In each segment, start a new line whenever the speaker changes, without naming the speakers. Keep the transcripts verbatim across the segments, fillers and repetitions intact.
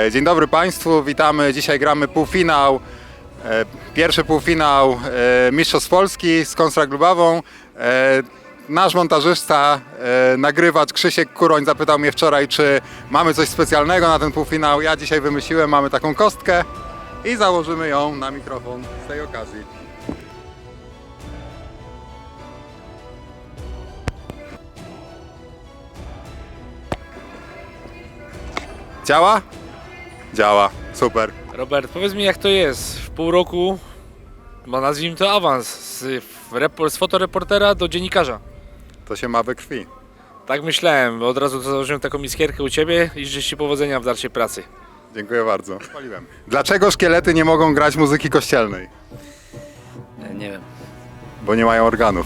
E, Dzień dobry Państwu, witamy. Dzisiaj gramy półfinał, e, pierwszy półfinał e, Mistrzostw Polski z Konstrakt Lubawą. E, Nasz montażysta, e, nagrywacz Krzysiek Kuroń zapytał mnie wczoraj, czy mamy coś specjalnego na ten półfinał. Ja dzisiaj wymyśliłem, mamy taką kostkę i założymy ją na mikrofon z tej okazji. Działa? Działa, super.
Robert, powiedz mi, jak to jest w pół roku, bo nazwijmy to awans, z, repor- z fotoreportera do dziennikarza.
To się ma we krwi.
Tak myślałem, bo od razu założyłem taką iskierkę u Ciebie i życzę Ci powodzenia w dalszej pracy.
Dziękuję bardzo. Spaliłem. Dlaczego szkielety nie mogą grać muzyki kościelnej?
Nie wiem.
Bo nie mają organów.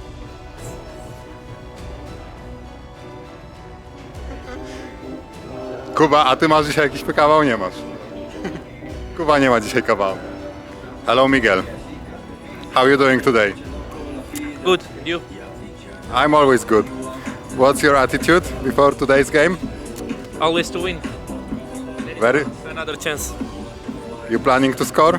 Kuba, a ty masz dzisiaj jakiś kawał? Nie masz. Kuba nie ma dzisiaj kawału. Hello Miguel. How you doing today?
Good, you?
I'm always good. What's your attitude before today's game?
Always to win.
Very.
Another chance.
You planning to score?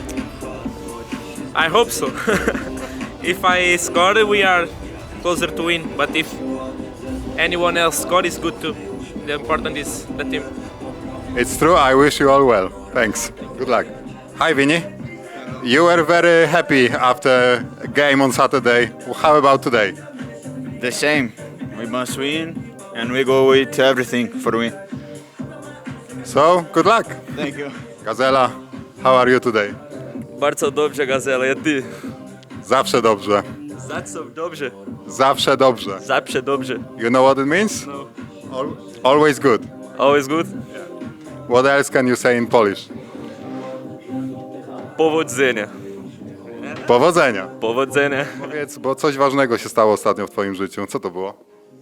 I hope so. If I score, we are closer to win. But if anyone else score, it's good too. The important is the team.
It's true. I wish you all well. Thanks. Good luck. Hi, Vinny. You were very happy after a game on Saturday. How about today?
The same. We must win, and we go with everything for win.
So, good luck.
Thank you.
Gazela, how are you today?
Bardzo dobrze, Gazela, ja ty.
Zawsze dobrze.
Zawsze dobrze.
Zawsze dobrze.
Zawsze dobrze.
You know what it means?
No.
Al- Always good.
Always good.
What else can you say in Polish?
Powodzenia.
Powodzenia.
Powodzenia.
Powiedz, bo coś ważnego się stało ostatnio w twoim życiu. Co to było?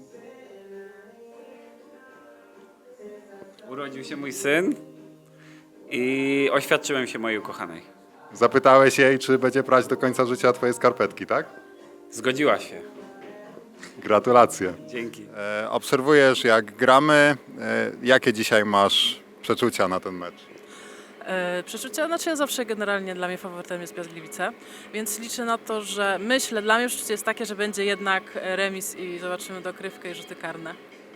Urodził się mój syn i oświadczyłem się mojej ukochanej.
Zapytałeś jej, czy będzie prać do końca życia twoje skarpetki, tak?
Zgodziła się.
Gratulacje.
Dzięki.
E, obserwujesz, jak gramy. E, jakie dzisiaj masz przeczucia na ten mecz?
E, Przeczucia, znaczy ja zawsze generalnie dla mnie faworytem jest Piast Gliwice, więc liczę na to, że myślę, dla mnie przeczucie jest takie, że będzie jednak remis i zobaczymy dokrywkę i rzuty karne.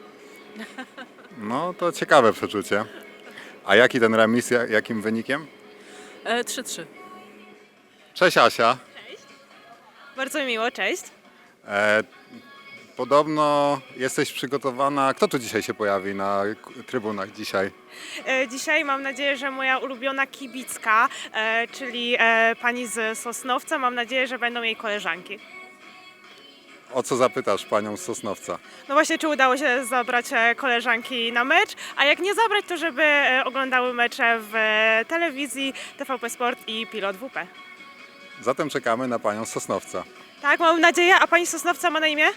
No, to ciekawe przeczucie. A jaki ten remis, ja- jakim wynikiem?
E, trzy trzy.
Cześć Asia.
Bardzo mi miło, cześć.
E, podobno jesteś przygotowana. Kto tu dzisiaj się pojawi na k- trybunach dzisiaj?
E, Dzisiaj mam nadzieję, że moja ulubiona kibicka, e, czyli e, pani z Sosnowca, mam nadzieję, że będą jej koleżanki.
O co zapytasz panią z Sosnowca?
No właśnie, czy udało się zabrać e, koleżanki na mecz, a jak nie zabrać, to żeby e, oglądały mecze w e, telewizji, T V P Sport i Pilot W P.
Zatem czekamy na panią z Sosnowca.
Tak, mam nadzieję, a pani z Sosnowca ma na imię?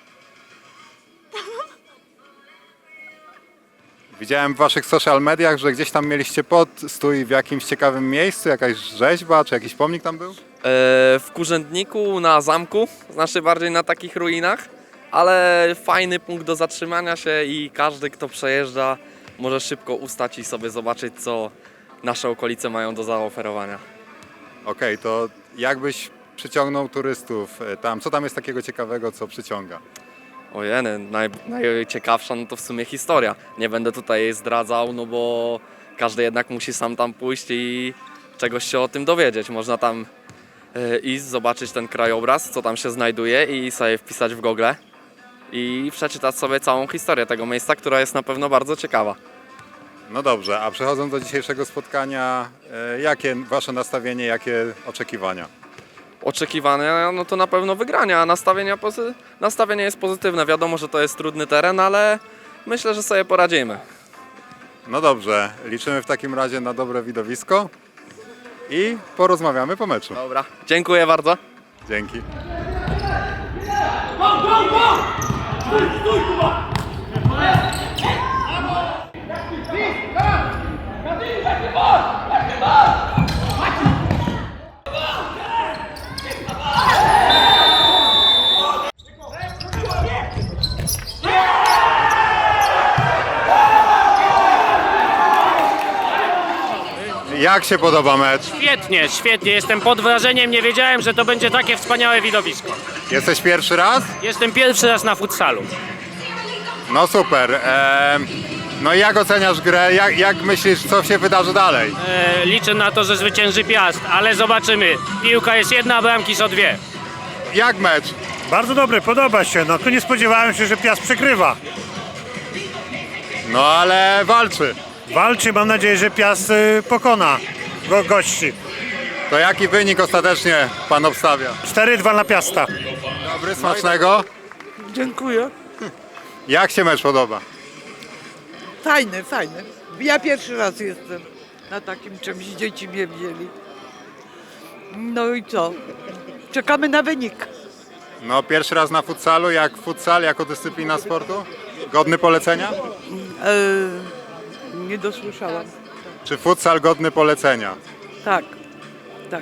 Widziałem w waszych social mediach, że gdzieś tam mieliście podstój w jakimś ciekawym miejscu, jakaś rzeźba, czy jakiś pomnik tam był?
E, w Kurzędniku na zamku, znaczy bardziej na takich ruinach, ale fajny punkt do zatrzymania się i każdy, kto przejeżdża, może szybko ustać i sobie zobaczyć, co nasze okolice mają do zaoferowania.
Okej, to jakbyś przyciągnął turystów e, tam? Co tam jest takiego ciekawego, co przyciąga?
Ojeny, naj, najciekawsza no to w sumie historia. Nie będę tutaj jej zdradzał, no bo każdy jednak musi sam tam pójść i czegoś się o tym dowiedzieć. Można tam e, iść, zobaczyć ten krajobraz, co tam się znajduje i sobie wpisać w Google i przeczytać sobie całą historię tego miejsca, która jest na pewno bardzo ciekawa.
No dobrze, a przechodząc do dzisiejszego spotkania, e, jakie wasze nastawienie, jakie oczekiwania?
Oczekiwania, no to na pewno wygrania, a nastawienia pozy- nastawienie jest pozytywne. Wiadomo, że to jest trudny teren, ale myślę, że sobie poradzimy.
No dobrze, liczymy w takim razie na dobre widowisko i porozmawiamy po meczu.
Dobra, dziękuję bardzo.
Dzięki. Jak się podoba mecz?
Świetnie, świetnie. Jestem pod wrażeniem. Nie wiedziałem, że to będzie takie wspaniałe widowisko.
Jesteś pierwszy raz?
Jestem pierwszy raz na futsalu.
No super. Em, no i jak oceniasz grę? Jak, jak myślisz, co się wydarzy dalej?
E, liczę na to, że zwycięży Piast, ale zobaczymy. Piłka jest jedna, a bramki są dwie.
Jak mecz?
Bardzo dobry, podoba się. No tu nie spodziewałem się, że Piast przegrywa.
No ale walczy.
Walczy, mam nadzieję, że Piast y, pokona go, gości.
To jaki wynik ostatecznie pan obstawia?
cztery dwa na Piasta.
Dobry, smacznego.
Dziękuję.
Jak się mecz podoba?
Fajny, fajny. Ja pierwszy raz jestem na takim czymś, dzieci mnie wzięli. No i co? Czekamy na wynik.
No pierwszy raz na futsalu, jak futsal, jako dyscyplina sportu? Godny polecenia?
E, nie dosłyszałam.
Czy futsal godny polecenia?
Tak, tak.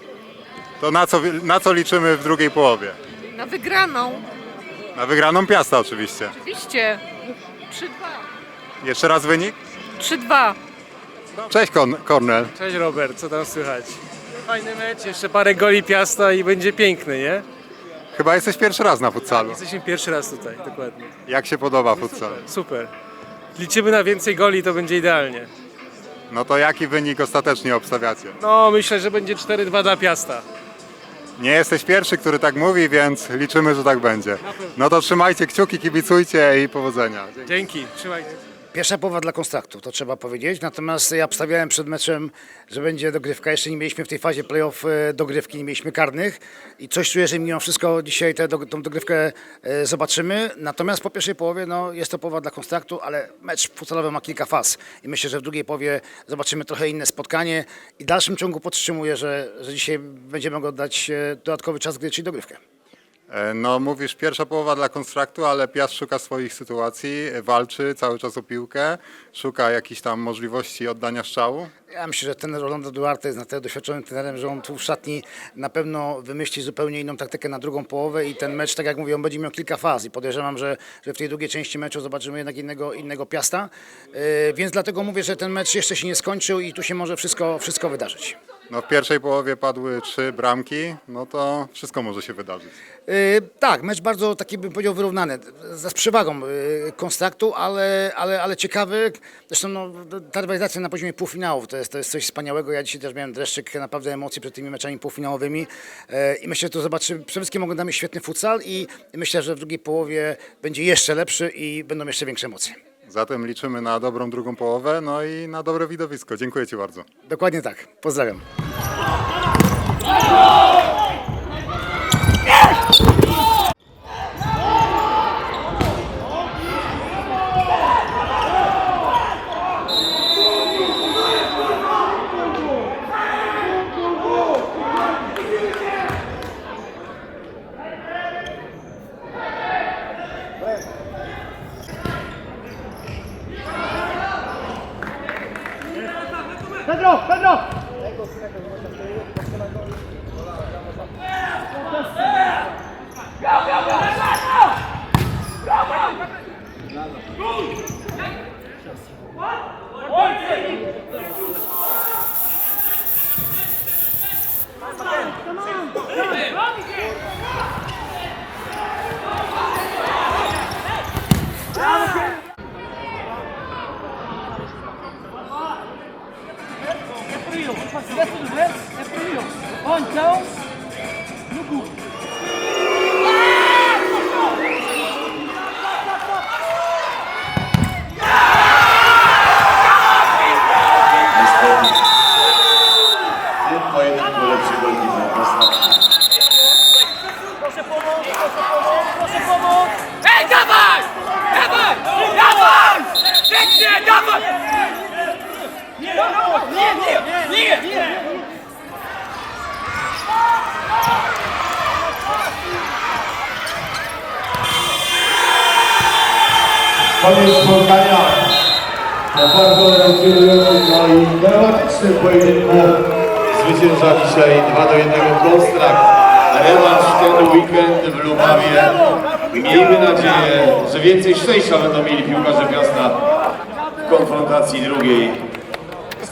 To na co, na co liczymy w drugiej połowie?
Na wygraną.
Na wygraną Piasta oczywiście.
Oczywiście. trzy dwa.
Jeszcze raz wynik?
trzy dwa.
Cześć Kon- Kornel.
Cześć Robert, co tam słychać? Fajny mecz, jeszcze parę goli Piasta i będzie piękny, nie?
Chyba jesteś pierwszy raz na futsalu.
Jesteśmy pierwszy raz tutaj, dokładnie.
Jak się podoba futsal?
Super. Liczymy na więcej goli, to będzie idealnie.
No to jaki wynik ostatecznie obstawiacie?
No, myślę, że będzie cztery dwa dla Piasta.
Nie jesteś pierwszy, który tak mówi, więc liczymy, że tak będzie. No to trzymajcie kciuki, kibicujcie i powodzenia. Dzięki.
Dzięki, trzymajcie.
Pierwsza połowa dla Konstraktu, to trzeba powiedzieć. Natomiast ja obstawiałem przed meczem, że będzie dogrywka. Jeszcze nie mieliśmy w tej fazie play-off e, dogrywki, nie mieliśmy karnych. I coś czuję, że mimo wszystko dzisiaj tę tą dogrywkę e, zobaczymy. Natomiast po pierwszej połowie no, jest to połowa dla Konstraktu, ale mecz futsalowy ma kilka faz. I myślę, że w drugiej połowie zobaczymy trochę inne spotkanie. I w dalszym ciągu podtrzymuję, że, że dzisiaj będziemy mogli oddać e, dodatkowy czas gry, czyli dogrywkę.
E, No mówisz pierwsza połowa dla Konstraktu, ale Piast szuka swoich sytuacji, e, walczy cały czas o piłkę, szuka jakichś tam możliwości oddania strzału.
Ja myślę, że ten Rolando Duarte jest na tyle doświadczonym trenerem, że on tu w szatni na pewno wymyśli zupełnie inną taktykę na drugą połowę i ten mecz, tak jak mówię, on będzie miał kilka faz i podejrzewam, że, że w tej drugiej części meczu zobaczymy jednak innego, innego Piasta, yy, więc dlatego mówię, że ten mecz jeszcze się nie skończył i tu się może wszystko, wszystko wydarzyć.
No w pierwszej połowie padły trzy bramki, no to wszystko może się wydarzyć.
Yy, tak, mecz bardzo taki bym powiedział wyrównany, z, z przewagą yy, Konstraktu, ale, ale, ale ciekawy. Zresztą no, ta rywalizacja na poziomie półfinałów to jest, to jest coś wspaniałego. Ja dzisiaj też miałem dreszczyk naprawdę emocji przed tymi meczami półfinałowymi yy, i myślę, że tu zobaczymy, przede wszystkim oglądamy świetny futsal i myślę, że w drugiej połowie będzie jeszcze lepszy i będą jeszcze większe emocje.
Zatem liczymy na dobrą drugą połowę, no i na dobre widowisko. Dziękuję Ci bardzo.
Dokładnie tak. Pozdrawiam.
Koniec spotkania na bardzo emocjonującym no i dramatycznym pojedynku zwycięża dzisiaj dwa do jednego Konstrakt. Rewanż ten weekend w Lubawie. Miejmy nadzieję, że więcej szczęścia będą mieli piłkarze Piasta w konfrontacji drugiej z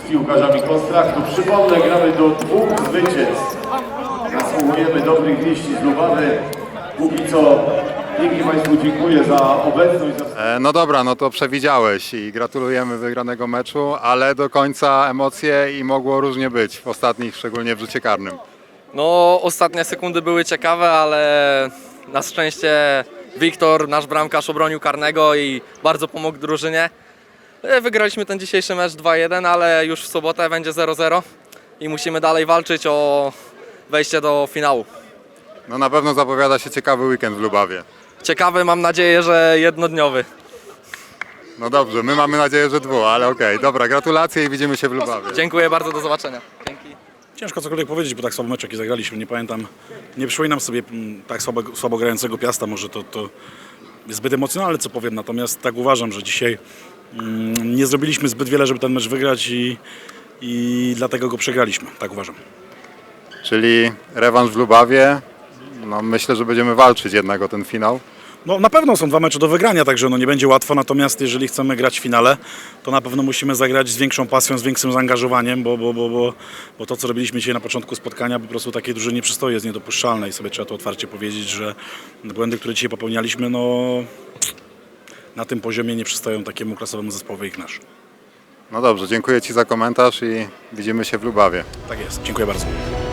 z piłkarzami Konstraktu. Przypomnę, gramy do dwóch zwycięstw. Zasługujemy dobrych wieści z Lubawy. Póki co pięknie Państwu dziękuję za obecność. Za...
E, No dobra, no to przewidziałeś i gratulujemy wygranego meczu, ale do końca emocje i mogło różnie być w ostatnich, szczególnie w rzucie karnym.
No, ostatnie sekundy były ciekawe, ale na szczęście Wiktor, nasz bramkarz, obronił karnego i bardzo pomógł drużynie. E, Wygraliśmy ten dzisiejszy mecz dwa jeden, ale już w sobotę będzie zero zero i musimy dalej walczyć o wejście do finału.
No na pewno zapowiada się ciekawy weekend w Lubawie.
Ciekawy, mam nadzieję, że jednodniowy.
No dobrze, my mamy nadzieję, że dwu, ale okej. Dobra, gratulacje i widzimy się w Lubawie.
Dziękuję bardzo, do zobaczenia. Dzięki.
Ciężko cokolwiek powiedzieć, bo tak słabo mecz jaki zagraliśmy. Nie pamiętam, nie przypominam sobie mm, tak słabo, słabo grającego Piasta. Może to, to jest zbyt emocjonalne, co powiem. Natomiast tak uważam, że dzisiaj mm, nie zrobiliśmy zbyt wiele, żeby ten mecz wygrać i, i dlatego go przegraliśmy. Tak uważam.
Czyli rewanż w Lubawie. No myślę, że będziemy walczyć jednak o ten finał.
No, na pewno są dwa mecze do wygrania, także no, nie będzie łatwo, natomiast jeżeli chcemy grać w finale, to na pewno musimy zagrać z większą pasją, z większym zaangażowaniem, bo, bo, bo, bo, bo to, co robiliśmy dzisiaj na początku spotkania, po prostu takiej drużynie nie przystoi, jest niedopuszczalne i sobie trzeba to otwarcie powiedzieć, że błędy, które dzisiaj popełnialiśmy, no, na tym poziomie nie przystoją takiemu klasowemu zespołowi jak nasz.
No dobrze, dziękuję Ci za komentarz i widzimy się w Lubawie.
Tak jest, dziękuję bardzo.